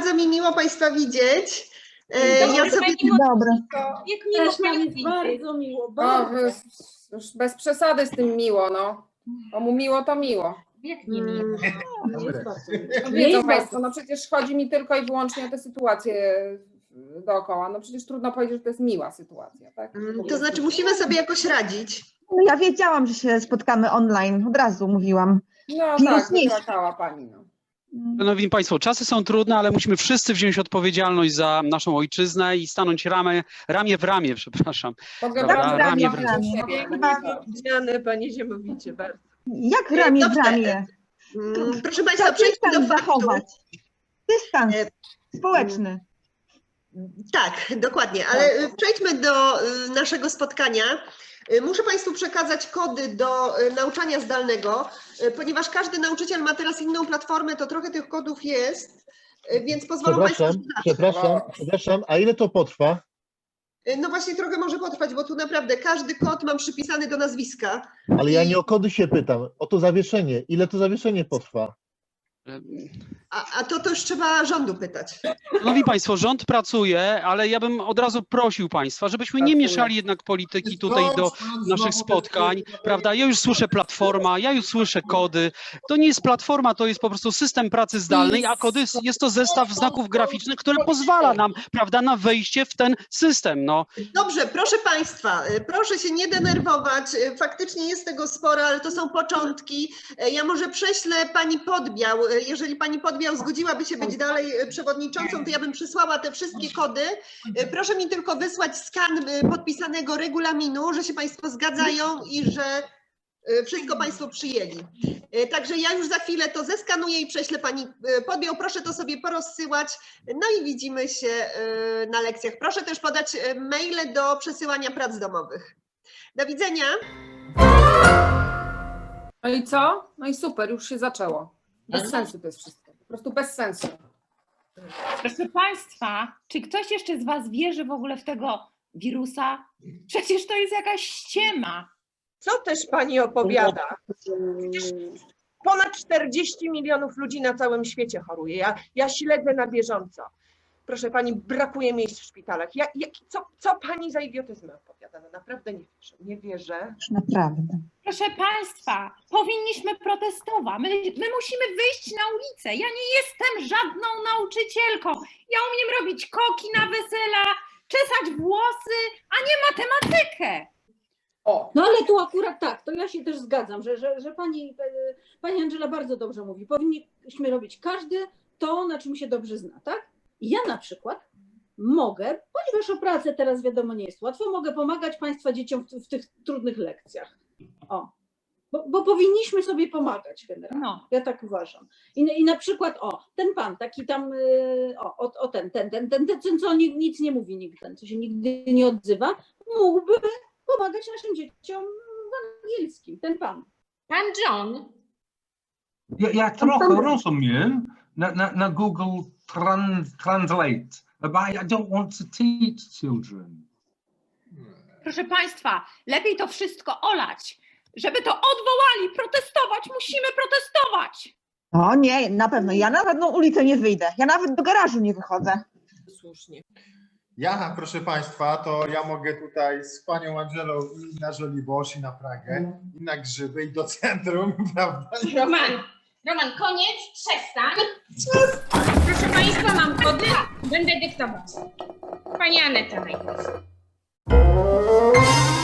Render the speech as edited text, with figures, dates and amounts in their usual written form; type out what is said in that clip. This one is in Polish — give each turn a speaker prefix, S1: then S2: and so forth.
S1: bardzo mi miło Państwa widzieć. Ja sobie...
S2: Dobra.
S3: Jak miło
S4: Też nam jest
S3: Pani
S4: bardzo miło,
S5: O,
S4: bardzo.
S5: już bez przesady z tym miło, no. Komu miło, to miło.
S3: Jak nie miło.
S4: Jest bardzo miło.
S5: No,
S4: Nie
S5: wiedzą
S4: jest
S5: Państwo,
S4: bardzo.
S5: no przecież chodzi mi tylko i wyłącznie o tę sytuację dookoła. No przecież trudno powiedzieć, że to jest miła sytuacja, tak?
S1: To znaczy musimy sobie jakoś radzić.
S2: No ja wiedziałam, że się spotkamy online, od razu mówiłam.
S5: No
S2: Wirus
S5: tak,
S2: nie-
S5: wypłakała Pani, no.
S6: Szanowni Państwo, czasy są trudne, ale musimy wszyscy wziąć odpowiedzialność za naszą ojczyznę i stanąć ramię w ramię, przepraszam.
S5: Pogadamy
S6: ramię
S5: w
S6: w
S5: ramię.
S7: Zmiany, Panie Ziemownicie, bardzo.
S2: Jak ramię w
S1: Dobrze.
S2: ramię?
S1: Proszę Państwa,
S2: Trzeba
S1: przejdźmy do
S2: dystans
S1: faktu.
S2: zachować. Dystans
S1: E,
S2: społeczny.
S1: Tak, dokładnie, ale przejdźmy do naszego spotkania. Muszę Państwu przekazać kody do nauczania zdalnego, ponieważ każdy nauczyciel ma teraz inną platformę, to trochę tych kodów jest, więc pozwolą Państwo, że
S8: Przepraszam, a ile to potrwa?
S1: no właśnie trochę może potrwać, bo tu naprawdę każdy kod mam przypisany do nazwiska.
S8: Ale ja nie o kody się pytam, o to zawieszenie. Ile to zawieszenie potrwa?
S1: A to już trzeba rządu pytać.
S6: Szanowni Państwo, rząd pracuje, ale ja bym od razu prosił Państwa, żebyśmy nie mieszali jednak polityki tutaj do naszych spotkań, prawda? Ja już słyszę platforma, ja już słyszę kody. To nie jest platforma, to jest po prostu system pracy zdalnej, a kody jest to zestaw znaków graficznych, który pozwala nam, prawda, na wejście w ten system. No.
S1: Dobrze, proszę Państwa, proszę się nie denerwować, faktycznie jest tego sporo, ale to są początki. Ja może prześlę Pani Podbiał, jeżeli Pani Podbiał zgodziłaby się być dalej przewodniczącą, to ja bym przysłała te wszystkie kody. Proszę mi tylko wysłać skan podpisanego regulaminu, że się Państwo zgadzają i że wszystko Państwo przyjęli. Także ja już za chwilę to zeskanuję i prześlę Pani Podbiał. Proszę to sobie porozsyłać. No i widzimy się na lekcjach. Proszę też podać maile do przesyłania prac domowych. Do widzenia.
S5: No i co? No i super, już się zaczęło. Bez sensu to jest wszystko. Po prostu bez sensu.
S3: Proszę Państwa, czy ktoś jeszcze z Was wierzy w ogóle w tego wirusa? Przecież to jest jakaś ściema.
S7: Co też Pani opowiada? Przecież ponad 40 milionów ludzi na całym świecie choruje. Ja śledzę na bieżąco. Proszę Pani, brakuje miejsc w szpitalach. Co Pani za idiotyzmy opowiada? No naprawdę nie wierzę. Nie wierzę.
S2: Już naprawdę.
S3: Proszę Państwa, powinniśmy protestować. My musimy wyjść na ulicę. Ja nie jestem żadną nauczycielką. Ja umiem robić koki na wesela, czesać włosy, a nie matematykę.
S5: O,
S4: No ale tu akurat tak, to ja się też zgadzam, że pani Angela bardzo dobrze mówi. Powinniśmy robić każdy to, na czym się dobrze zna, tak? I ja na przykład mogę, ponieważ o pracę teraz wiadomo nie jest łatwo, mogę pomagać Państwa dzieciom w tych trudnych lekcjach. O, bo powinniśmy sobie pomagać generalnie.
S3: No.
S4: Ja tak uważam. I na przykład, ten pan, taki tam, ten, co nic nie mówi nigdy, ten, co się nigdy nie odzywa, mógłby pomagać naszym dzieciom w angielskim, ten pan.
S3: Pan John.
S9: Ja trochę rozumiem na Google Translate, but I don't want to teach children.
S3: Proszę Państwa, lepiej to wszystko olać. Żeby to odwołali, protestować, musimy protestować.
S2: O nie, na pewno. Ja na żadną ulicę nie wyjdę. Ja nawet do garażu nie wychodzę.
S7: Słusznie.
S10: Ja, proszę Państwa, to ja mogę tutaj z Panią Angelą i na Żoliborz, i na Pragę, i na Grzyby, i do centrum, prawda?
S3: Roman, koniec, przestań. Proszę Państwa, mam kody, będę dyktować. Pani Aneta najpierw.